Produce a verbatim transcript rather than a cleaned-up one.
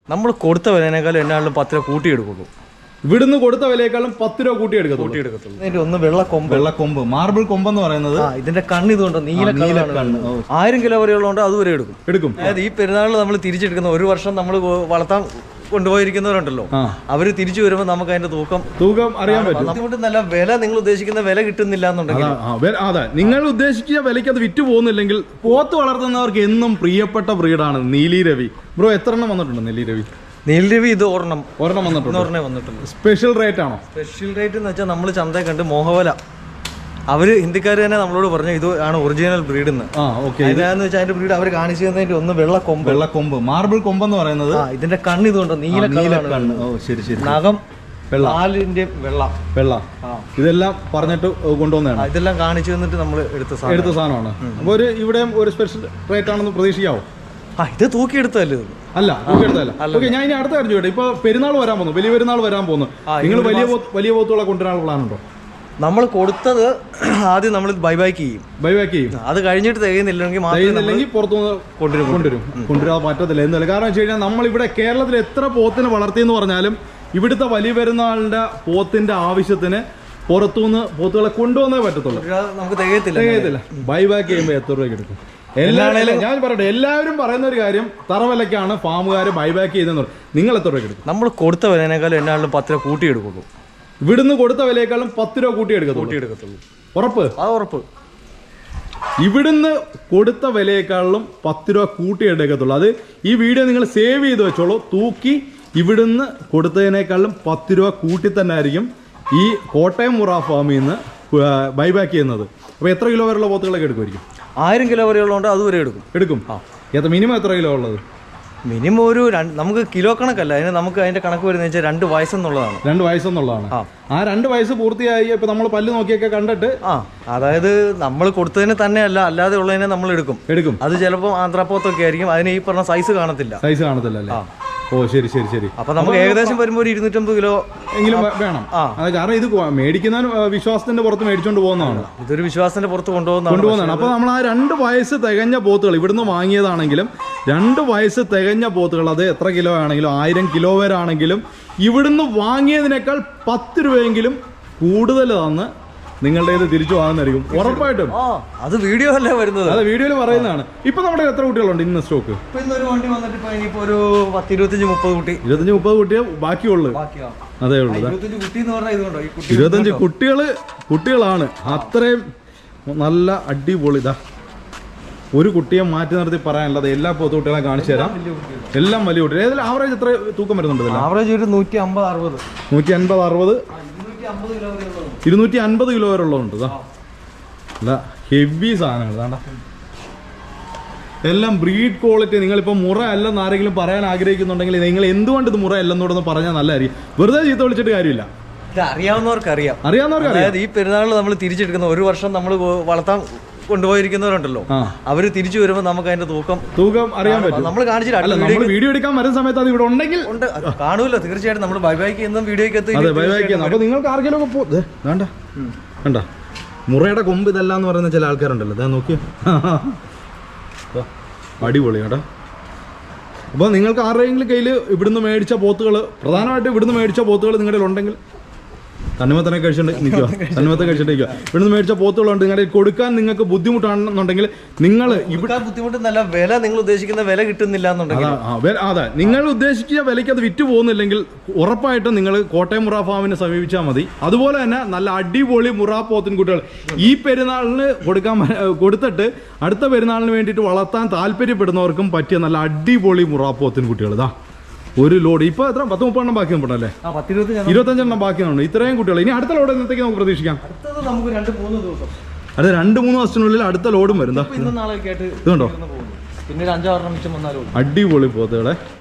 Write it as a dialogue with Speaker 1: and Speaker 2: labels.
Speaker 1: നമ്മൾ കൊടുത്ത വിലയേക്കാളും എന്നാലും പത്ത് രൂപ കൂട്ടിയെടുക്കുള്ളൂ.
Speaker 2: ഇവിടുന്ന് കൊടുത്ത വിലയേക്കാളും പത്ത് രൂപ കൂട്ടിയെടുക്കത്തുള്ളൂ.
Speaker 1: ഇതിന്റെ ഒന്ന് വെള്ളക്കൊമ്പ്
Speaker 2: വെള്ളക്കൊമ്പ് മാർബിൾ കൊമ്പെന്ന് പറയുന്നത്
Speaker 1: ഇതിന്റെ കണ്ണ് ഇതുകൊണ്ട് നീല കണ്ണ് ആയിരം കിലോ വരെയുള്ളതുകൊണ്ട് അതുവരെ എടുക്കും എടുക്കും അതായത് ഈ പെരുന്നാളിൽ നമ്മൾ തിരിച്ചെടുക്കുന്ന ഒരു വർഷം നമ്മൾ വളർത്താൻ കൊണ്ടുപോയിരിക്കുന്നവരുണ്ടല്ലോ, അവര് തിരിച്ചു വരുമ്പോൾ നമുക്ക് അതിന്റെ തൂക്കം
Speaker 2: തൂക്കം അറിയാൻ പറ്റും.
Speaker 1: അതുകൊണ്ട് നല്ല വില നിങ്ങൾ ഉദ്ദേശിക്കുന്ന വില കിട്ടുന്നില്ല എന്നുണ്ടെങ്കിൽ
Speaker 2: അതെ, നിങ്ങൾ ഉദ്ദേശിക്കുന്ന വിലയ്ക്ക് അത് വിറ്റ് പോകുന്നില്ലെങ്കിൽ പോത്ത് വളർത്തുന്നവർക്ക് എന്നും പ്രിയപ്പെട്ട ബ്രീഡാണ് നീലി രവി. ബ്രോ എത്ര എണ്ണം വന്നിട്ടുണ്ട് നീലി രവി?
Speaker 1: നീലി രവി ഇത് ഒരെണ്ണം
Speaker 2: ഒരെണ്ണം വന്നിട്ടുണ്ട്.
Speaker 1: ഒരെണ്ണം വന്നിട്ടുണ്ട്.
Speaker 2: സ്പെഷ്യൽ റേറ്റ് ആണോ?
Speaker 1: സ്പെഷ്യൽ റേറ്റ് എന്ന് വെച്ചാൽ നമ്മൾ ചന്തയെ കണ്ട് മോഹവല അവര് ഹിന്ദിക്കാർ തന്നെ നമ്മളോട് പറഞ്ഞു ഇത് ആണ് ഒറിജിനൽ ബ്രീഡ് എന്ന്. അതിനാന്ന് വെച്ചാൽ അതിന്റെ ബ്രീഡ് അവർ കാണിച്ചു തന്നതിന്റെ ഒന്ന് വെള്ളക്കൊമ്പ്
Speaker 2: വെള്ളക്കൊമ്പ് മാർബിൾ കൊമ്പെന്ന് പറയുന്നത്
Speaker 1: ഇതിന്റെ കണ്ണ് ഇതുകൊണ്ട് നീല
Speaker 2: കണ്ണ്. ഓ ശരി ശരി.
Speaker 1: നഖം പാലിന്റെ വെള്ള വെള്ള
Speaker 2: ഇതെല്ലാം പറഞ്ഞിട്ട് കൊണ്ടുവന്നതാണ്.
Speaker 1: ഇതെല്ലാം കാണിച്ചു തന്നിട്ട് നമ്മൾ എടുത്ത
Speaker 2: എടുത്ത സാധനമാണ്. അപ്പൊ ഒരു ഇവിടെയും ഒരു സ്പെഷ്യൽ റേറ്റ് ആണെന്ന് പ്രതീക്ഷിക്കാവോ?
Speaker 1: ആ ഇത് തൂക്കിയെടുത്തല്ലേ?
Speaker 2: അല്ല തൂക്കിയെടുത്തല്ല. ഓക്കെ, ഞാൻ ഇനി അടുത്ത കാര്യം ചോദിക്കട്ടെ. ഇപ്പൊ പെരുന്നാൾ വരാൻ പോകുന്നു, വലിയ പെരുന്നാൾ വരാൻ പോകുന്നു. നിങ്ങൾ വലിയ വലിയ പോത്തുകളെ കൊണ്ടുവരാനുള്ള പ്ലാൻ ഉണ്ടോ?
Speaker 1: നമ്മൾ കൊടുത്തത് ആദ്യം നമ്മൾ ബൈബാക്ക് ചെയ്യും
Speaker 2: ബൈബാക്ക് ചെയ്യും
Speaker 1: അത് കഴിഞ്ഞിട്ട് തികയുന്നില്ലെങ്കിൽ
Speaker 2: തികയുന്നില്ലെങ്കിൽ പുറത്തുനിന്ന് കൊണ്ടുവരും കൊണ്ടുവരും കൊണ്ടുവരാൻ പറ്റത്തില്ല എന്നല്ല. കാരണം വെച്ച് കഴിഞ്ഞാൽ നമ്മളിവിടെ കേരളത്തിൽ എത്ര പോത്തിനെ വളർത്തിയെന്ന് പറഞ്ഞാലും ഇവിടുത്തെ വലിയ പെരുന്നാളിന്റെ പോത്തിന്റെ ആവശ്യത്തിന് പുറത്തുനിന്ന് പോത്തുകളെ കൊണ്ടുവന്നേ പറ്റത്തുള്ളൂ.
Speaker 1: നമുക്ക് തികയത്തില്ല
Speaker 2: തികയത്തില്ല ബൈബാക്ക് ചെയ്യുമ്പോൾ എത്ര രൂപയ്ക്ക് എടുക്കും? എല്ലാവരും ഞാൻ പറയട്ടെ, എല്ലാവരും പറയുന്ന ഒരു കാര്യം തറവിലക്കാണ് ഫാമുകാർ ബൈബാക്ക് ചെയ്തെന്ന് പറയും. നിങ്ങൾ എത്ര രൂപയ്ക്ക് എടുക്കും?
Speaker 1: നമ്മൾ കൊടുത്ത വിലയേക്കാളും എന്നാലും പത്ത് രൂപ കൂട്ടിയെടുക്കുള്ളൂ.
Speaker 2: ഇവിടുന്ന് കൊടുത്ത വിലയേക്കാളും പത്ത് രൂപ കൂട്ടിയെടുക്കത്തുള്ളൂ. ഉറപ്പ്?
Speaker 1: അത് ഉറപ്പ്.
Speaker 2: ഇവിടുന്ന് കൊടുത്ത വിലയേക്കാളും പത്ത് രൂപ കൂട്ടിയെടുക്കത്തുള്ളൂ. അത് ഈ വീഡിയോ നിങ്ങൾ സേവ് ചെയ്ത് വെച്ചോളൂ. തൂക്കി ഇവിടുന്ന് കൊടുത്തതിനേക്കാളും പത്ത് രൂപ കൂട്ടി തന്നെ ആയിരിക്കും ഈ കോട്ടയം മുറ ഫാമിൽ നിന്ന് ബൈബാക്ക് ചെയ്യുന്നത്. അപ്പോൾ എത്ര കിലോ വരെയുള്ള പോത്തുകളൊക്കെ എടുക്കുമായിരിക്കും?
Speaker 1: ആയിരം കിലോ വരെയുള്ളതുകൊണ്ട് അതുവരെ എടുക്കും
Speaker 2: എടുക്കും ആ എത്ര മിനിമം എത്ര കിലോ ഉള്ളത്?
Speaker 1: മിനിമം ഒരു നമുക്ക് കിലോ കണക്കല്ല, അതിന് നമുക്ക് അതിന്റെ കണക്ക് വരുന്നത് വെച്ചാൽ രണ്ട് വയസ്സെന്നുള്ളതാണ്.
Speaker 2: രണ്ട് വയസ്സെന്നുള്ളതാണ്. ആ രണ്ട് വയസ്സ് പൂർത്തിയായി ഇപ്പൊ നമ്മൾ പല്ല് നോക്കിയൊക്കെ കണ്ടിട്ട്
Speaker 1: ആ അതായത് നമ്മൾ കൊടുത്തതിന് തന്നെയല്ല അല്ലാതെ ഉള്ളതിനെ നമ്മൾ എടുക്കും എടുക്കും അത് ചിലപ്പോൾ ആന്ധ്രാപ്പോത്തൊക്കെ ആയിരിക്കും. അതിന് ഈ പറഞ്ഞ സൈസ് കാണത്തില്ല.
Speaker 2: സൈസ് കാണത്തില്ല അല്ലേ? ഓ ശരി ശരി ശരി.
Speaker 1: അപ്പൊ നമുക്ക് ഏകദേശം വരുമ്പോൾ ഒരു ഇരുന്നൂറ്റമ്പത് കിലോ
Speaker 2: എങ്കിലും വേണം. അത് കാരണം ഇത് മേടിക്കുന്ന വിശ്വാസത്തിന്റെ പുറത്ത് മേടിച്ചോണ്ട് പോകുന്നതാണ്.
Speaker 1: ഇതൊരു വിശ്വാസത്തിന്റെ പുറത്ത് കൊണ്ടുപോകുന്ന
Speaker 2: കൊണ്ടുപോകുന്നതാണ്. അപ്പൊ നമ്മൾ ആ രണ്ട് വയസ്സ് തികഞ്ഞ പോത്തുകൾ ഇവിടുന്ന് വാങ്ങിയതാണെങ്കിലും രണ്ട് വയസ്സ് തികഞ്ഞ പോത്തുകൾ അത് എത്ര കിലോ ആണെങ്കിലും ആയിരം കിലോ വരെ ആണെങ്കിലും ഇവിടുന്ന് വാങ്ങിയതിനേക്കാൾ പത്ത് രൂപയെങ്കിലും കൂടുതൽ തന്ന് നിങ്ങളുടെ ഇത് തിരിച്ചു വാങ്ങുന്നതായിരിക്കും ഉറപ്പായിട്ടും.
Speaker 1: അത് വീഡിയോ അല്ലേ വരുന്നത്?
Speaker 2: അതെ, വീഡിയോയിൽ പറയുന്നതാണ്. ഇപ്പൊ നമ്മുടെ എത്ര കുട്ടികളുണ്ട് ഇന്ന് സ്റ്റോക്ക്?
Speaker 1: ഒരു വണ്ടി വന്നിട്ട് ഇനിയിപ്പോ ഒരു പത്ത് ഇരുപത്തഞ്ച് മുപ്പത് കുട്ടി
Speaker 2: ഇരുപത്തഞ്ച് മുപ്പത് കുട്ടിയെ ബാക്കിയുള്ളൂ. അതേ ഉള്ളൂ. ഇരുപത്തഞ്ച് കുട്ടികള് കുട്ടികളാണ്. അത്രയും നല്ല അടിപൊളി. ഇതാ ഒരു കുട്ടിയെ മാറ്റി നിർത്തി പറയാനുള്ളത് എല്ലാ പോത്തുകുട്ടികളെ കാണിച്ചു തരാം. എല്ലാം വലിയ കുട്ടികൾ. ഏതെങ്കിലും ആവറേജ് എത്ര തൂക്കം വരുന്നുണ്ട്?
Speaker 1: ആവറേജ് ഒരു നൂറ്റി അമ്പത് അറുപത്
Speaker 2: നൂറ്റി അൻപത് അറുപത് ഇരുന്നൂറ്റി അൻപത് കിലോ വരെ ഉള്ളതുണ്ട്. അല്ല ഹെവി സാധനങ്ങൾ വേണ്ട. എല്ലാം ബ്രീഡ് ക്വാളിറ്റി. നിങ്ങളിപ്പോൾ മുറ അല്ലെന്ന് ആരെങ്കിലും പറയാൻ ആഗ്രഹിക്കുന്നുണ്ടെങ്കിൽ നിങ്ങൾ എന്തുകൊണ്ട് ഇത് മുറ അല്ലെന്നോടൊന്ന് പറഞ്ഞാൽ നല്ലതായിരിക്കും. വെറുതെ ചീത്ത വിളിച്ചിട്ട് കാര്യമില്ല.
Speaker 1: അറിയാവുന്നവർക്ക് അറിയാം
Speaker 2: അറിയാവുന്നവർക്ക്
Speaker 1: അതായത് ഈ പെരുന്നാളിൽ നമ്മൾ തിരിച്ചെടുക്കുന്ന ഒരു വർഷം നമ്മൾ വളർത്താൻ കൊണ്ടുപോയിരിക്കുന്നവരുണ്ടല്ലോ, അവര് തിരിച്ചു വരുമ്പോൾ നമുക്ക് അതിന്റെ തൂക്കം
Speaker 2: തൂക്കം അറിയാൻ പറ്റും.
Speaker 1: നമ്മൾ കാണിച്ചിട്ട്
Speaker 2: വീഡിയോ എടുക്കാൻ വരുന്ന സമയത്ത് അത് ഇവിടെ ഉണ്ടെങ്കിൽ
Speaker 1: കാണൂല്ലോ. തീർച്ചയായിട്ടും നമ്മൾ ബൈബാക്ക് ചെയ്യുന്ന വീഡിയോക്കകത്ത്
Speaker 2: അപ്പൊ നിങ്ങൾക്ക് ആർക്കെങ്കിലും ഒക്കെ പോ വേണ്ട വേണ്ട മുറയുടെ കൊമ്പ് ഇതല്ല എന്ന് പറയുന്ന ചില ആൾക്കാരുണ്ടല്ലോ. അതാ നോക്കിയോ, അടിപൊളി കേട്ടോ. അപ്പോൾ നിങ്ങൾക്ക് ആരുടെയെങ്കിലും കയ്യിൽ ഇവിടുന്ന് മേടിച്ച പോത്തുകൾ, പ്രധാനമായിട്ടും ഇവിടുന്ന് മേടിച്ച പോത്തുകൾ നിങ്ങളുടെ ഉണ്ടെങ്കിൽ തണ്ണിമത്തനെ കഴിച്ചിട്ട് നിൽക്കുക തണ്ണിമത്തം കഴിച്ചിട്ട് നിൽക്കുക. ഇവിടുന്ന് മേടിച്ച പോത്തുകളുണ്ട്. നിങ്ങളുടെ കൊടുക്കാൻ നിങ്ങൾക്ക് ബുദ്ധിമുട്ടാണെന്നുണ്ടെങ്കിൽ നിങ്ങൾ
Speaker 1: ഇവിടെ ബുദ്ധിമുട്ടുന്നല്ല, വില നിങ്ങൾ ഉദ്ദേശിക്കുന്ന വില കിട്ടുന്നില്ല എന്നുണ്ടെങ്കിൽ
Speaker 2: അതെ നിങ്ങൾ ഉദ്ദേശിക്കുന്ന വിലയ്ക്ക് അത് വിറ്റ് പോകുന്നില്ലെങ്കിൽ ഉറപ്പായിട്ടും നിങ്ങൾ കോട്ടയം മുറ ഫാമിനെ സമീപിച്ചാൽ മതി. അതുപോലെ തന്നെ നല്ല അടിപൊളി മുറ പോത്തിൻ കുട്ടികൾ ഈ പെരുന്നാളിന് കൊടുക്കാൻ കൊടുത്തിട്ട് അടുത്ത പെരുന്നാളിന് വേണ്ടിയിട്ട് വളർത്താൻ താല്പര്യപ്പെടുന്നവർക്കും പറ്റിയ നല്ല അടിപൊളി മുറ പോത്തിൻ കുട്ടികൾ. ഇതാ ഒരു ലോഡ് ഇപ്പൊ എത്ര പത്ത് മുപ്പെണ്ണം ബാക്കി ഉണ്ടല്ലേ? ഇരുപത്തഞ്ചെണ്ണം ബാക്കിയുണ്ട്. ഇത്രയും കുട്ടികൾ. ഇനി അടുത്ത ലോഡ് എന്നത്തേക്ക് നമുക്ക് പ്രതീക്ഷിക്കാം? അടുത്ത രണ്ട് മൂന്ന് ദിവസത്തിനുള്ളിൽ അടുത്ത ലോഡും വരും. ഇതുണ്ടോ?
Speaker 1: പിന്നെ അഞ്ചാറെണ്ണം
Speaker 2: അടിപൊളി പോത്തുകളെ.